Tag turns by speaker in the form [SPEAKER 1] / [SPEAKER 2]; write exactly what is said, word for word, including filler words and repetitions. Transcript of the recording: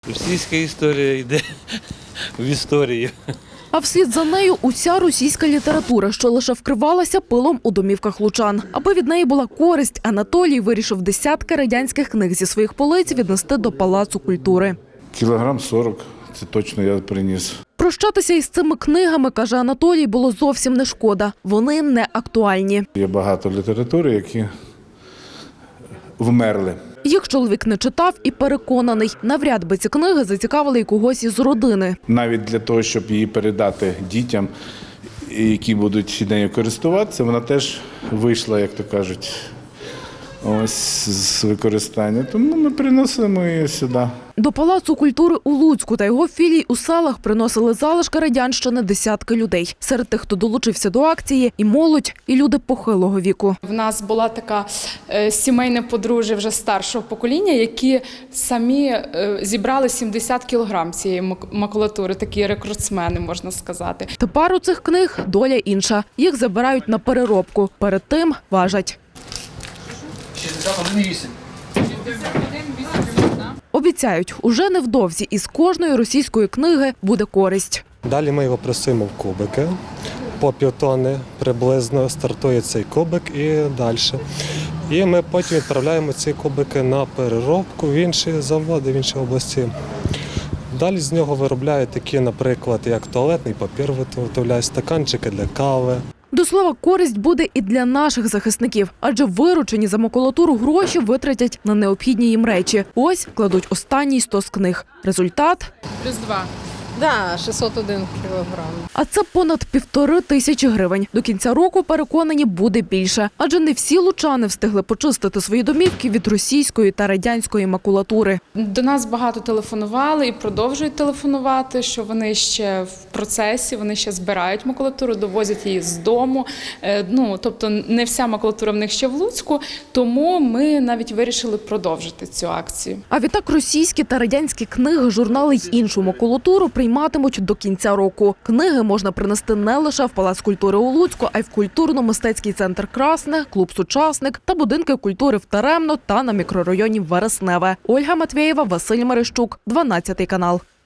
[SPEAKER 1] Російська історія йде в історію.
[SPEAKER 2] А вслід за нею уся російська література, що лише вкривалася пилом у домівках лучан. Аби від неї була користь, Анатолій вирішив десятки радянських книг зі своїх полиць віднести до Палацу культури.
[SPEAKER 3] Кілограм сорок, це точно я приніс.
[SPEAKER 2] Прощатися із цими книгами, каже Анатолій, було зовсім не шкода. Вони не актуальні.
[SPEAKER 3] Є багато літератури, які вмерли.
[SPEAKER 2] Їх чоловік не читав і переконаний, навряд би ці книги зацікавили й когось із родини.
[SPEAKER 3] Навіть для того, щоб її передати дітям, які будуть нею користуватися, вона теж вийшла, як то кажуть, ось з використання. Тому ми приносимо її сюди.
[SPEAKER 2] До Палацу культури у Луцьку та його філій у селах приносили залишки радянщини десятки людей. Серед тих, хто долучився до акції, і молодь, і люди похилого віку.
[SPEAKER 4] В нас була така е, сімейне подружжя вже старшого покоління, які самі е, зібрали сімдесят кілограм цієї мак- макулатури, такі рекордсмени, можна сказати.
[SPEAKER 2] Тепер у цих книг доля інша. Їх забирають на переробку. Перед тим важать.
[SPEAKER 1] шістдесят один вісім.
[SPEAKER 2] Обіцяють, уже невдовзі із кожної російської книги буде користь.
[SPEAKER 5] Далі ми його пресуємо в кубики. По півтони приблизно стартує цей кубик і далі. І ми потім відправляємо ці кубики на переробку в інші заводи, в інші області. Далі з нього виробляють такі, наприклад, як туалетний папір, виготовляють стаканчики для кави.
[SPEAKER 2] До слова, користь буде і для наших захисників, адже виручені за макулатуру гроші витратять на необхідні їм речі. Ось кладуть останній стос книг. Результат
[SPEAKER 4] Плюс два.
[SPEAKER 6] Да, шістсот один кілограм.
[SPEAKER 2] А це понад півтори тисячі гривень. До кінця року, переконані, буде більше. Адже не всі лучани встигли почистити свої домівки від російської та радянської макулатури.
[SPEAKER 4] До нас багато телефонували і продовжують телефонувати, що вони ще в процесі, вони ще збирають макулатуру, довозять її з дому. Е, Ну, тобто не вся макулатура в них ще в Луцьку, тому ми навіть вирішили продовжити цю акцію.
[SPEAKER 2] А відтак російські та радянські книги, журнали й іншу макулатуру прийматимуть до кінця року. Книги можна принести не лише в Палац культури у Луцьку, а й в культурно-мистецький центр «Красне», клуб «Сучасник» та будинки культури в Теремно та на мікрорайоні Вересневе. Ольга Матвєєва, Василь Мерещук, дванадцятий канал.